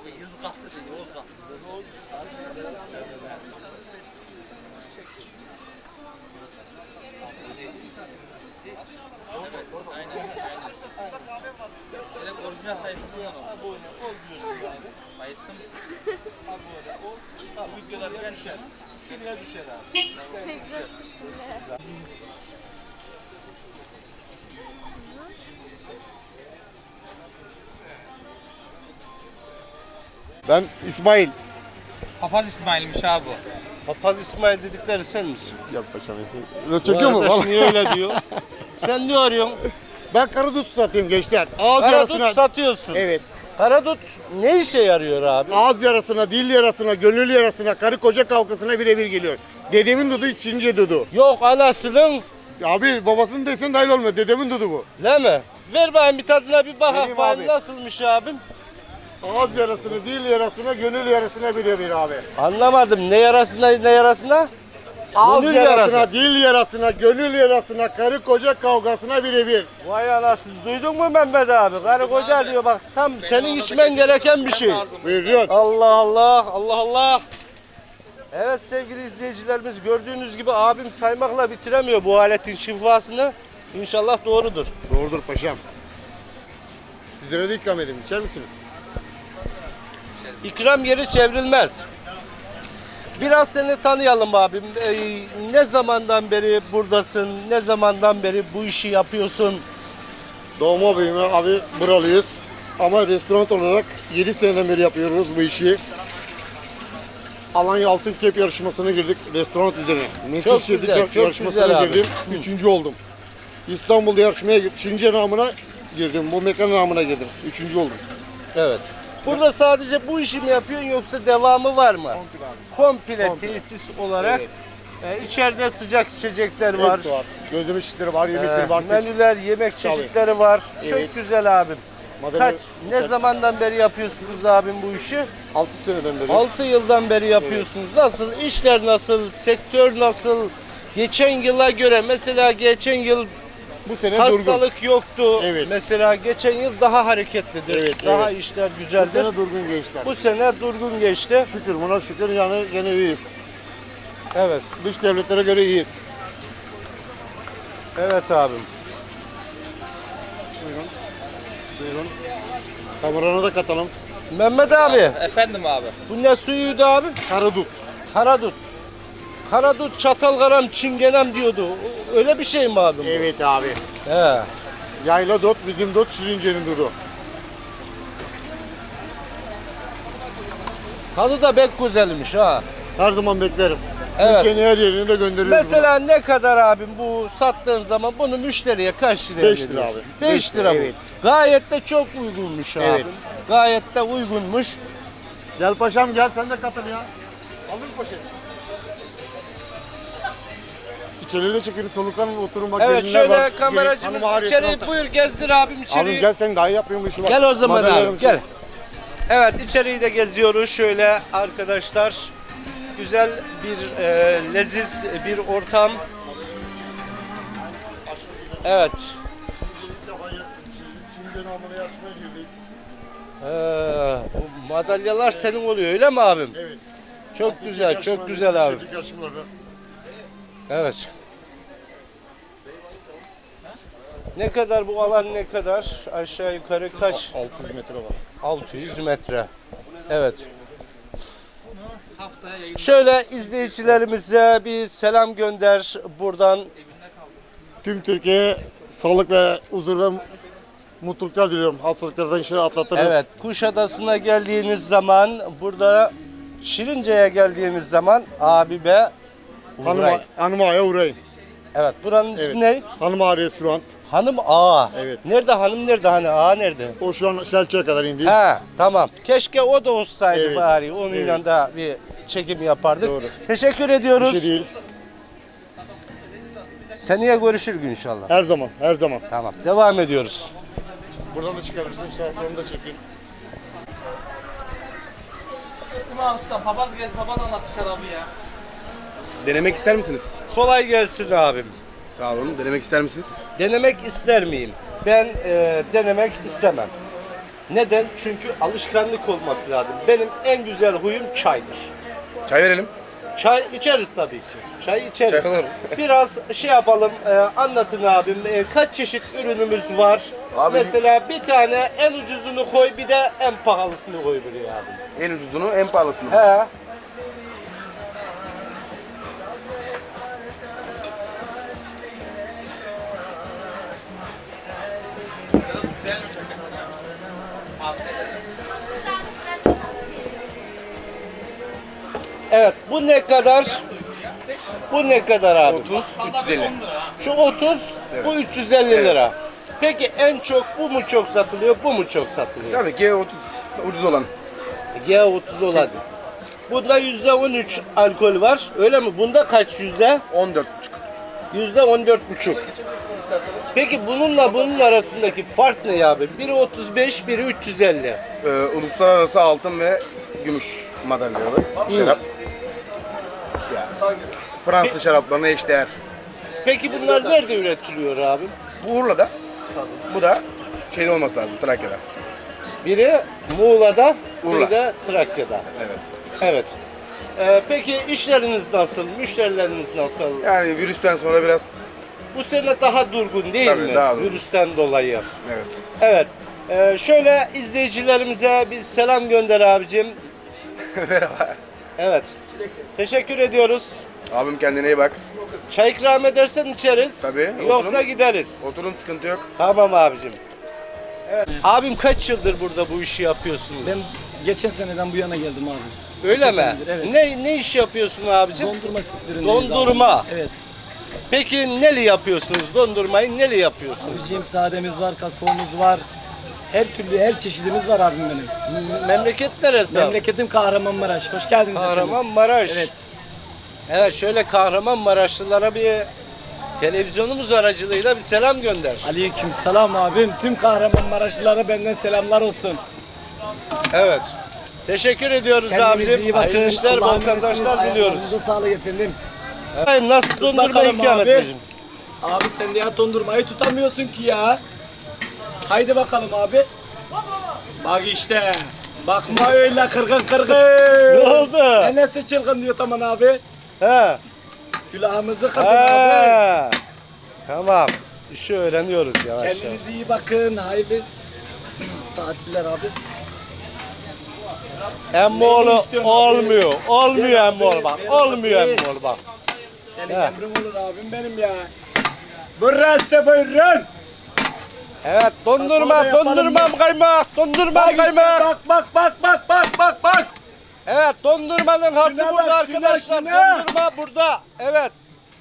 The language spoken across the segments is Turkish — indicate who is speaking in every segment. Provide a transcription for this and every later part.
Speaker 1: Yüz katlı değil, Oğuz katlı. Aynen. Direkt orijinal sayfası var o. Bayıttım.
Speaker 2: Videolar düşer. Şuraya düşer abi.
Speaker 3: Ben İsmail.
Speaker 1: Papaz İsmail'miş abi bu.
Speaker 2: Papaz İsmail dedikleri sen misin?
Speaker 3: Yap paşam. Öyle çekiyor mu?
Speaker 2: Arkadaş niye öyle diyor? Sen ne arıyorsun?
Speaker 3: Ben karadut satayım gençler. Ağız
Speaker 2: Karadut
Speaker 3: yarasına.
Speaker 2: satıyorsun.
Speaker 3: Evet.
Speaker 2: Karadut ne işe yarıyor abi?
Speaker 3: Ağız yarasına, dil yarasına, gönül yarasına, karı koca kavgasına birebir geliyor. Dedemin dudu, Çince dudu.
Speaker 2: Yok anasının.
Speaker 3: Abi babasının desen dahil olmuyor. Dedemin dudu bu.
Speaker 2: Değil mi? Ver bakayım bir tadına bir bak.
Speaker 3: Vereyim
Speaker 2: Bakayım
Speaker 3: abi.
Speaker 2: nasılmış abim?
Speaker 3: Ağız yarasına, dil yarasına, gönül yarasına birebir abi.
Speaker 2: Anlamadım. Ne yarasına ne yarasına?
Speaker 3: Ağız
Speaker 2: Gönül
Speaker 3: yarasına,
Speaker 2: yarası.
Speaker 3: dil yarasına, gönül yarasına, karı koca kavgasına birebir.
Speaker 2: Vay anasını. Duydun mu Mehmet abi? Karı koca diyor bak tam senin içmen gereken bir şey.
Speaker 3: Buyuruyor.
Speaker 2: Allah Allah, Allah Allah. Evet sevgili izleyicilerimiz gördüğünüz gibi abim saymakla bitiremiyor bu aletin şifasını. İnşallah doğrudur.
Speaker 3: Doğrudur paşam. Sizlere de ikram edeyim. İçer misiniz?
Speaker 2: İkram yeri çevrilmez. Biraz seni tanıyalım abim. Ne zamandan beri buradasın? Ne zamandan beri bu işi yapıyorsun?
Speaker 3: Doğma büyüme abi buralıyız. Ama restoran olarak 7 seneden beri yapıyoruz bu işi. Alanya Altın Kep yarışmasına girdik restoran üzerine.
Speaker 2: Çok güzel, çok
Speaker 3: yarışmasına
Speaker 2: güzel abi.
Speaker 3: girdim. Üçüncü oldum. İstanbul'da yarışmaya girdim. Şirince namına girdim. Bu mekan namına girdim. Üçüncü oldum.
Speaker 2: Evet. Burada sadece bu işi mi yapıyorsun yoksa devamı var mı? Komple tesis olarak. İçeride sıcak içecekler var.
Speaker 3: Hepsi var. Gözleme şişleri var, yemekleri var.
Speaker 2: Menüler, yemek çeşitleri var.
Speaker 3: Evet.
Speaker 2: Çok güzel abim.
Speaker 3: Madalya-
Speaker 2: Ne zamandan beri yapıyorsunuz abim bu işi?
Speaker 3: 6 seneden beri.
Speaker 2: 6 yıldan beri yapıyorsunuz. Nasıl? İşler nasıl? Sektör nasıl? Geçen yıla göre mesela geçen yıl
Speaker 3: Bu sene
Speaker 2: hastalık yoktu.
Speaker 3: Evet.
Speaker 2: Mesela geçen yıl daha hareketlidir.
Speaker 3: Evet,
Speaker 2: daha
Speaker 3: evet.
Speaker 2: işler
Speaker 3: durgun. Bu
Speaker 2: güzeldir.
Speaker 3: sene durgun gençler.
Speaker 2: Bu sene durgun geçti.
Speaker 3: Şükür buna şükür yani gene iyiyiz.
Speaker 2: Evet.
Speaker 3: Dış devletlere göre iyiyiz.
Speaker 2: Evet abim.
Speaker 3: Buyurun. Buyurun. Kamerana da katalım.
Speaker 2: Mehmet abi,
Speaker 1: Efendim abi.
Speaker 2: bu ne suyuydu abi?
Speaker 3: Karadut.
Speaker 2: Karadut. Karadut, çatalgaram, çingenem diyordu. Öyle bir şey mi abi? bu?
Speaker 3: Evet abi.
Speaker 2: He.
Speaker 3: Yayla dot, bizim dot, Şirince'nin dudu.
Speaker 2: Tadı da pek güzelmiş ha.
Speaker 3: Her zaman beklerim.
Speaker 2: Evet.
Speaker 3: Türkiye'nin her yerine de gönderiyoruz.
Speaker 2: Mesela ne kadar abim bu sattığın zaman bunu müşteriye kaç liraya
Speaker 3: 5 lira
Speaker 2: veriyorsun?
Speaker 3: abi.
Speaker 2: 5
Speaker 3: 5
Speaker 2: lira bu.
Speaker 3: evet.
Speaker 2: Gayet de çok uygunmuş
Speaker 3: Evet.
Speaker 2: abim. Gayet de uygunmuş.
Speaker 3: Gel paşam gel sen de katıl ya. Alır poşet. İçeriye de çekelim soluklanın oturun bak.
Speaker 2: Evet
Speaker 3: gelinler var.
Speaker 2: şöyle kameracımız
Speaker 3: Hanım ağrıyor,
Speaker 2: içeri
Speaker 3: tamam.
Speaker 2: buyur gezdir abim
Speaker 3: Abim
Speaker 2: içeriği.
Speaker 3: gel sen daha iyi yapıyorsun bu işi bak.
Speaker 2: Gel o zaman
Speaker 3: Madalyalarım
Speaker 2: abi gel. Evet içeriği de geziyoruz şöyle arkadaşlar. Güzel bir leziz bir ortam. Evet.
Speaker 3: Şirince'nin amına yarışmaya girdik.
Speaker 2: O madalyalar senin oluyor öyle mi abim?
Speaker 3: Evet.
Speaker 2: Çok güzel, çok güzel abi.
Speaker 3: Şeflik yarışmaları.
Speaker 2: Evet. Ne kadar bu alan ne kadar? Aşağı yukarı kaç?
Speaker 3: 600 metre var.
Speaker 2: 600 metre. Evet.
Speaker 1: Haftaya yayın.
Speaker 2: Şöyle izleyicilerimize bir selam gönder buradan.
Speaker 3: Tüm Türkiye'ye sağlık ve huzur ve mutluluklar diliyorum. Hastalıklardan inşallah atlatırız.
Speaker 2: Evet, Kuşadası'na geldiğiniz zaman, burada Şirince'ye geldiğiniz zaman abibe uğrayın.
Speaker 3: Hanım Ağa'ya uğrayın.
Speaker 2: Evet, buranın ismi
Speaker 3: Evet.
Speaker 2: ne?
Speaker 3: Hanım Ağa restoran.
Speaker 2: Hanım Ağa.
Speaker 3: Evet.
Speaker 2: Nerede hanım nerede? Hani ağa nerede?
Speaker 3: O şu an Selçuk'a kadar indi.
Speaker 2: He, tamam. Keşke o da olsaydı
Speaker 3: Evet.
Speaker 2: bari. Onunla
Speaker 3: Evet.
Speaker 2: da bir çekim yapardık.
Speaker 3: Doğru.
Speaker 2: Teşekkür
Speaker 3: Bir
Speaker 2: ediyoruz.
Speaker 3: şey değil.
Speaker 2: Seneye görüşürüz inşallah.
Speaker 3: Her zaman, her zaman.
Speaker 2: Tamam. Devam ediyoruz.
Speaker 3: Buradan da çıkabilirsin. Şartlarını da çekin.
Speaker 1: Ulan usta papaz gel papaz anlat şarabı ya.
Speaker 4: Denemek ister misiniz?
Speaker 2: Kolay gelsin abim.
Speaker 4: Sağ olun. Denemek ister misiniz?
Speaker 2: Denemek ister miyim? Ben denemek istemem. Neden? Çünkü alışkanlık olması lazım. Benim en güzel huyum çaydır.
Speaker 4: Çay verelim.
Speaker 2: Çay içeriz tabii ki. Çay içeriz.
Speaker 4: Çay alırım.
Speaker 2: Biraz şey yapalım, anlatın abim. Kaç çeşit ürünümüz var?
Speaker 4: Abi-
Speaker 2: Mesela bir tane en ucuzunu koy, bir de en pahalısını koy buraya abim.
Speaker 4: En ucuzunu, en pahalısını.
Speaker 2: He. Evet, bu ne kadar? Bu ne kadar abi?
Speaker 4: 30, 350.
Speaker 2: Şu 30, bu 350 lira. Peki en çok bu mu çok satılıyor, bu mu çok satılıyor?
Speaker 4: Tabii ki 30 ucuz olan.
Speaker 2: G30 olan. Bunda %13 alkol var. Öyle mi? Bunda kaç yüzde?
Speaker 4: 14,5.
Speaker 2: %14,5. Peki bununla bunun arasındaki fark ne abi? Biri 35, biri 350.
Speaker 4: Uluslararası altın ve gümüş madalyalı şarap. Ya, Fransız şaraplarına eşdeğer.
Speaker 2: Peki bunlar nerede üretiliyor abi?
Speaker 4: Bu Urla'da. Bu da şeyde olması lazım, Trakya'da.
Speaker 2: Biri Muğla'da, biri
Speaker 4: Urla.
Speaker 2: de Trakya'da.
Speaker 4: Evet.
Speaker 2: Evet. Peki işleriniz nasıl? Müşterileriniz nasıl?
Speaker 4: Yani virüsten sonra biraz
Speaker 2: Bu sene daha durgun değil
Speaker 4: Tabii,
Speaker 2: mi?
Speaker 4: daha durgun.
Speaker 2: Virüsten dolayı.
Speaker 4: evet.
Speaker 2: Evet. Şöyle izleyicilerimize bir selam gönder abicim.
Speaker 4: Merhaba.
Speaker 2: Evet. Teşekkür ediyoruz.
Speaker 4: Abim kendine iyi bak.
Speaker 2: Çay ikram edersen içeriz.
Speaker 4: Tabii,
Speaker 2: Yoksa
Speaker 4: oturun.
Speaker 2: gideriz.
Speaker 4: Oturun, sıkıntı yok.
Speaker 2: Tamam abicim. Evet. Abim kaç yıldır burada bu işi yapıyorsunuz?
Speaker 5: Ben geçen seneden bu yana geldim abi.
Speaker 2: Öyle mi?
Speaker 5: senedir, evet.
Speaker 2: Ne iş yapıyorsun abicim?
Speaker 5: Dondurma sektöründeyiz
Speaker 2: Dondurma.
Speaker 5: abi. Evet.
Speaker 2: Peki neli yapıyorsunuz? Dondurmayı neli yapıyorsunuz?
Speaker 5: Bizim sademiz var, kakaomuz var. Her türlü, her çeşidimiz var abim benim.
Speaker 2: Memleket neresi?
Speaker 5: Memleketim Kahramanmaraş. Hoş geldiniz efendim.
Speaker 2: Kahramanmaraş.
Speaker 5: Evet.
Speaker 2: Evet, şöyle Kahramanmaraşlılara bir televizyonumuz aracılığıyla bir selam gönder.
Speaker 5: Aleyküm selam abim. Tüm Kahramanmaraşlılara benden selamlar olsun.
Speaker 2: Evet. Teşekkür ediyoruz
Speaker 5: Kendinize
Speaker 2: abicim.
Speaker 5: iyi bakın.
Speaker 2: Hayırlı işler, bol
Speaker 5: Allah'a
Speaker 2: kazançlar
Speaker 5: emanetsiniz.
Speaker 2: diliyoruz.
Speaker 5: Ayağınıza sağlık efendim.
Speaker 2: Ay, nasıl dondurma
Speaker 5: bakalım
Speaker 2: ikram
Speaker 5: abi.
Speaker 2: edeceğim?
Speaker 5: Abi sen de ya dondurmayı tutamıyorsun ki ya. Haydi bakalım abi. Bak işte. Bakma öyle kırgın kırgın.
Speaker 2: Ne oldu?
Speaker 5: Nesi çılgın diyor tamam abi.
Speaker 2: He.
Speaker 5: Külahımızı kapın abi.
Speaker 2: He. Tamam. İşi öğreniyoruz yavaş yavaş.
Speaker 5: Kendinize iyi bakın. Hayırlı tatiller abi.
Speaker 2: Emmoğlu
Speaker 5: Neyini istiyorsun abi?
Speaker 2: olmuyor. Olmuyor
Speaker 5: Gel abi,
Speaker 2: emmoğlu bak.
Speaker 5: gel
Speaker 2: Olmuyor
Speaker 5: abi.
Speaker 2: emmoğlu bak.
Speaker 5: Senin
Speaker 2: He.
Speaker 5: emrin olur abim benim ya. Burası buyurun.
Speaker 2: Evet, dondurma,
Speaker 5: Sonra yapalım
Speaker 2: dondurmam kaymak, dondurmam
Speaker 5: Bak işte,
Speaker 2: kaymak.
Speaker 5: bak.
Speaker 2: Evet, dondurmanın hası
Speaker 5: Şuna
Speaker 2: burada
Speaker 5: bak, şuna,
Speaker 2: arkadaşlar.
Speaker 5: şuna.
Speaker 2: Dondurma burada. Evet.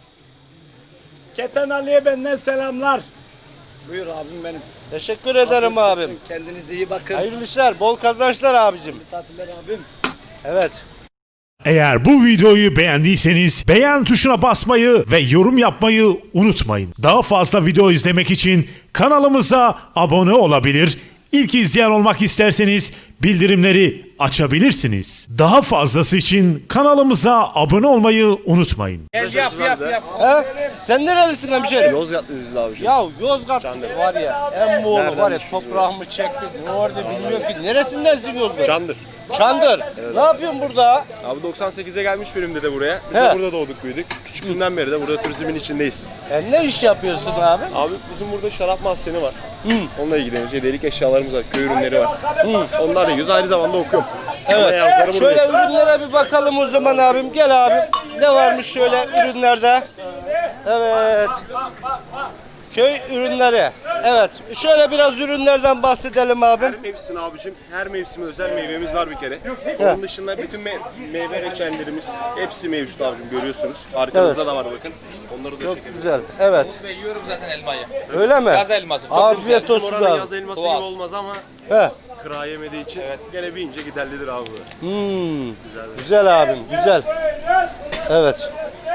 Speaker 5: Keten Ali'ye benden selamlar. Buyur abim benim.
Speaker 2: Teşekkür ederim
Speaker 5: Afiyet
Speaker 2: abim.
Speaker 5: olsun, kendinize iyi bakın.
Speaker 2: Hayırlı işler, bol kazançlar abicim.
Speaker 5: Tatiller abim.
Speaker 2: Evet.
Speaker 6: Eğer bu videoyu beğendiyseniz beğen tuşuna basmayı ve yorum yapmayı unutmayın. Daha fazla video izlemek için kanalımıza abone olabilir, İlk izleyen olmak isterseniz bildirimleri açabilirsiniz. Daha fazlası için kanalımıza abone olmayı unutmayın.
Speaker 4: Yap.
Speaker 2: He? Sen nerelisin hemşerim?
Speaker 1: Yozgatlıyız abi.
Speaker 2: Ya Yozgat var ya, Emmoğlu var ya, toprağımı çekti. Ne orada bilmiyorum ki. Neresindensin Yozgat?
Speaker 1: Çandır.
Speaker 2: Çandır. Ne yapıyorsun burada?
Speaker 1: Abi 98'e gelmiş birimde de buraya. Biz
Speaker 2: He.
Speaker 1: de burada doğduk büyüdük. Küçüklüğünden beri de burada turizmin içindeyiz.
Speaker 2: Ne iş yapıyorsun abi?
Speaker 1: Abi bizim burada şarap mahzeni var. Onunla ilgileniyoruz. Hediyelik eşyalarımız var. Köy ürünleri var. Onlarla yiyoruz. Aynı zamanda okuyorum. Ama yazları
Speaker 2: Şöyle
Speaker 1: buradayız.
Speaker 2: ürünlere bir bakalım o zaman abim. Gel abim. Ne varmış şöyle ürünlerde? Evet. Köy ürünleri. Evet. Şöyle biraz ürünlerden bahsedelim abim.
Speaker 1: Her mevsim abicim, her mevsime özel meyvemiz var bir kere. Onun dışında bütün meyve reçellerimiz hepsi mevcut abicim, görüyorsunuz. Arkamızda
Speaker 2: Evet.
Speaker 1: da var bakın. Onları da
Speaker 2: Çok
Speaker 1: çekelim.
Speaker 2: güzel. Evet.
Speaker 7: Ve yiyorum zaten elmayı.
Speaker 2: Öyle mi?
Speaker 7: Yaz elması. Çok
Speaker 2: Afiyet
Speaker 1: Bizim
Speaker 2: olsun
Speaker 1: oranın
Speaker 2: abi.
Speaker 1: yaz elması
Speaker 7: Doğal.
Speaker 1: gibi olmaz ama
Speaker 2: He.
Speaker 1: kıra yemediği için gene bir ince giderlidir abi bu.
Speaker 2: Güzel abim. Güzel. Evet.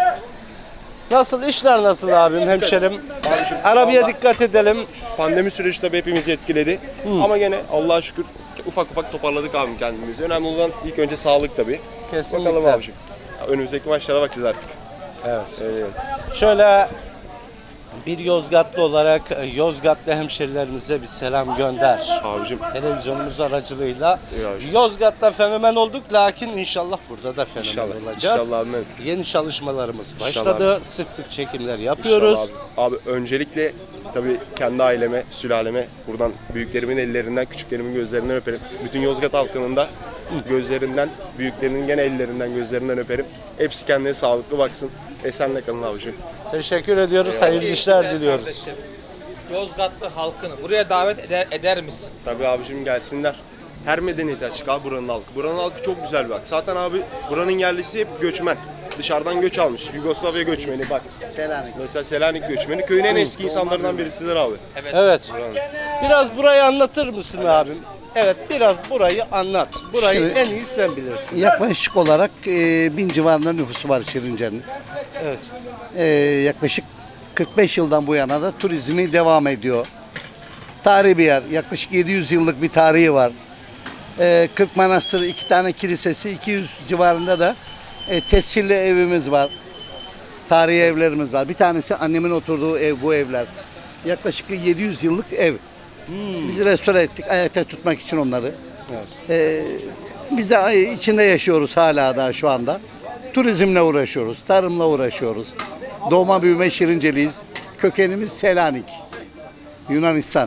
Speaker 2: Nasıl işler nasıl abim hemşerim? Arabaya dikkat edelim.
Speaker 1: Pandemi süreci tabii hepimizi etkiledi. Ama gene Allah'a şükür ufak ufak toparladık abim kendimizi. Önemli olan ilk önce sağlık tabii.
Speaker 2: Kesinlikle.
Speaker 1: Bakalım abicim. Ya önümüzdeki maçlara bakacağız artık.
Speaker 2: Evet.
Speaker 1: Evet.
Speaker 2: Şöyle Bir Yozgatlı olarak Yozgatlı hemşerilerimize bir selam gönder.
Speaker 1: Abicim
Speaker 2: Televizyonumuz aracılığıyla
Speaker 1: Ya.
Speaker 2: Yozgat'ta fenomen olduk, lakin inşallah burada da fenomen
Speaker 1: İnşallah,
Speaker 2: olacağız.
Speaker 1: inşallah abi.
Speaker 2: Yeni çalışmalarımız
Speaker 1: İnşallah
Speaker 2: başladı. Sık sık çekimler yapıyoruz.
Speaker 1: İnşallah abi. Abi öncelikle tabii kendi aileme, sülaleme buradan büyüklerimin ellerinden, küçüklerimin gözlerinden öperim. Bütün Yozgat halkının da gözlerinden, büyüklerinin gene ellerinden, gözlerinden öperim. Hepsi kendine sağlıklı baksın. Esenle kalın abicim.
Speaker 2: Teşekkür ediyoruz. Hayırlı işler diliyoruz.
Speaker 7: Kardeşim, Yozgatlı halkını buraya davet eder misin?
Speaker 1: Tabii abicim gelsinler. Her medeniyete açık abi buranın halkı. Buranın halkı çok güzel bak. Zaten abi buranın yerlisi hep göçmen. Dışarıdan göç almış. Yugoslavya göçmeni bak. Selanik. Mesela Selanik göçmeni. Köyün en eski insanlarından birisidir abi.
Speaker 2: Evet. Biraz burayı anlatır mısın abim? Evet, biraz burayı anlat. Burayı
Speaker 8: Şimdi-
Speaker 2: en iyi sen bilirsin.
Speaker 8: Yaklaşık olarak 1000 civarında nüfusu var Şirince'nin.
Speaker 2: Evet.
Speaker 8: Yaklaşık 45 yıldan bu yana da turizmi devam ediyor. Tarihi bir yer. Yaklaşık 700 yıllık bir tarihi var. 40 manastırı, 2 tane kilisesi, 200 civarında da tescilli evimiz var. Tarihi evlerimiz var. Bir tanesi annemin oturduğu ev, bu evler. Yaklaşık 700 yıllık ev. Biz restore ettik ayakta tutmak için onları. Biz de içinde yaşıyoruz hala da şu anda. Turizmle uğraşıyoruz, tarımla uğraşıyoruz. Doğma büyüme Şirinceliyiz. Kökenimiz Selanik, Yunanistan.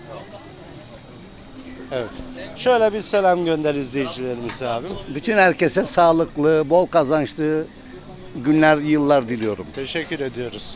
Speaker 2: Evet. Şöyle bir selam gönder izleyicilerimize abim.
Speaker 8: Bütün herkese sağlıklı, bol kazançlı günler, yıllar diliyorum.
Speaker 2: Teşekkür ediyoruz.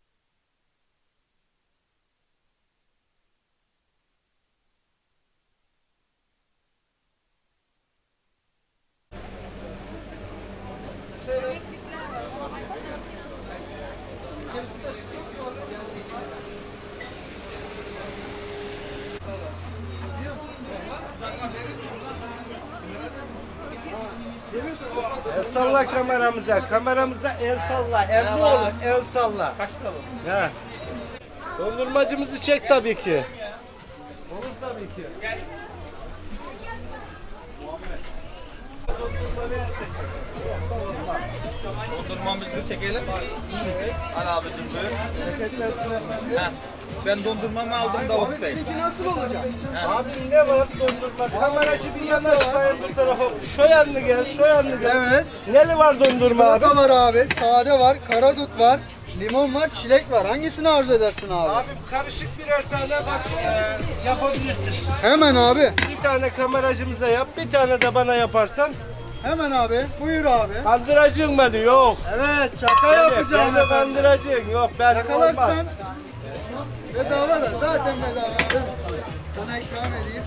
Speaker 2: El salla kameramıza. Kameramıza el salla. El ne olur? El salla. Kaç lira? He. Dondurmacımızı çek tabii ki. Olur tabii ki.
Speaker 7: Dondurmamızı çekelim. Al abicim buyur. Heh. Ben dondurmamı aldım Davut Bey.
Speaker 2: Abi ne var dondurma? Kamera şu bir yanaşmayın bu tarafa. Şu yanlı gel, şu yanlı gel.
Speaker 9: Evet.
Speaker 2: Neli var dondurma abi?
Speaker 9: Çikolata var abi, sade var, karadut var, limon var, çilek var. Hangisini arzu edersin abi?
Speaker 2: Abi karışık birer tane bak yapabilirsin.
Speaker 9: Hemen abi.
Speaker 2: Bir tane kameracımıza yap, bir tane de bana yaparsan.
Speaker 9: Hemen abi. Buyur abi.
Speaker 2: Kandıracaksın beni, yok.
Speaker 9: Evet, şaka yapacağım.
Speaker 2: Beni kandıracaksın, yok ben olmaz.
Speaker 9: Yakalarsan bedava da. Zaten bedava abi. Sana ikram edeyim.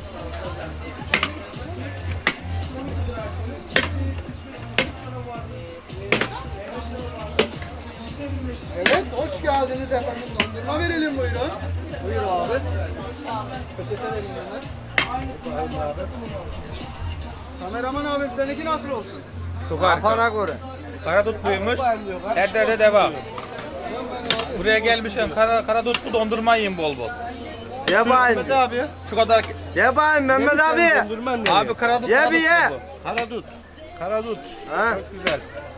Speaker 9: Evet, hoş geldiniz efendim. Dondurma verelim buyurun. Buyur abi. Peçete vereyim hemen. Kameraman abim seninki nasıl olsun?
Speaker 7: Kafana göre. Karadut buymuş. Her derde deva. Buraya gelmişim karadutlu dondurma yiyin bol bol.
Speaker 2: Mehmet abi.
Speaker 7: Şu kadar.
Speaker 2: Ye bakayım Mehmet abi. Dondurman ne?
Speaker 7: Abi karadut.
Speaker 2: Ye bir ye. Karadut. Karadut.
Speaker 7: Ha?
Speaker 2: Çok güzel.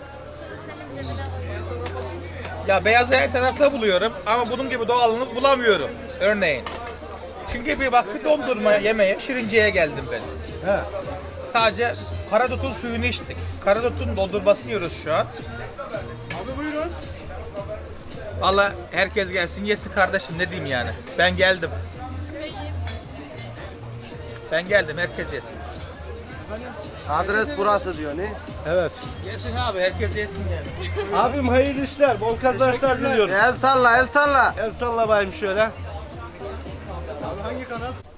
Speaker 7: Ya beyazı her tarafta buluyorum ama bunun gibi doğalını bulamıyorum. Örneğin. Çünkü bir bak bir dondurma yemeye Şirince'ye geldim ben.
Speaker 2: He.
Speaker 7: Sadece karadutun suyunu içtik. Karadutun dondurmasını yiyoruz şu an.
Speaker 9: Abi buyurun.
Speaker 7: Valla herkes gelsin yesin kardeşim ne diyeyim yani. Ben geldim. Ben geldim herkes yesin.
Speaker 2: Adres burası diyor ne? Evet.
Speaker 7: Yesin abi herkes yesin yani.
Speaker 2: Abim hayırlı işler, bol kazançlar diliyoruz. El salla, el salla. El salla bayım şöyle.
Speaker 9: Abi hangi kanal?